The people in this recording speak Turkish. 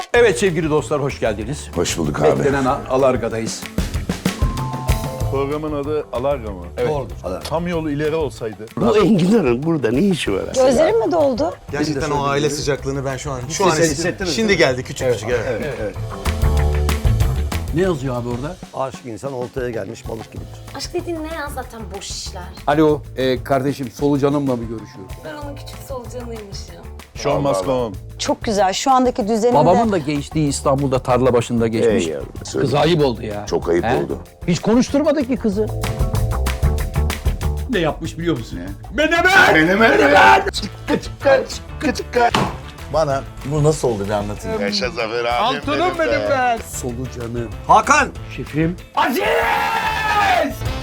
Evet sevgili dostlar, hoş geldiniz. Hoş bulduk abi. Beklenen Alarga'dayız. Programın adı Alarga mı? Evet. Tam yolu ileri olsaydı. Bu enginarın burada ne işi var? Gözlerim mi doldu? Gerçekten o aile sıcaklığını ben şu an hissettiniz şimdi geldi küçük. Evet. Ne yazıyor abi orada? Aşık insan oltaya gelmiş balık gibidir. Aşk dediğin ne ya, zaten boş işler. Alo, kardeşim solucanımla mı görüşüyoruz? Ben onun küçük solucanıymışım. Show must go on. Çok güzel. Şu andaki düzenimde... Babamın da gençliği İstanbul'da tarla başında geçmiş. Ey yavrum, söyle. Kız ayıp oldu ya. Çok ayıp He? oldu. Hiç konuşturmadık ki kızı. Ne yapmış biliyor musun ya? Menemen! Bana bu nasıl oldu bir anlatın. Yaşa Zafer abi. Altınım benim ben. Solucanı. Hakan! Şefim. Aziz!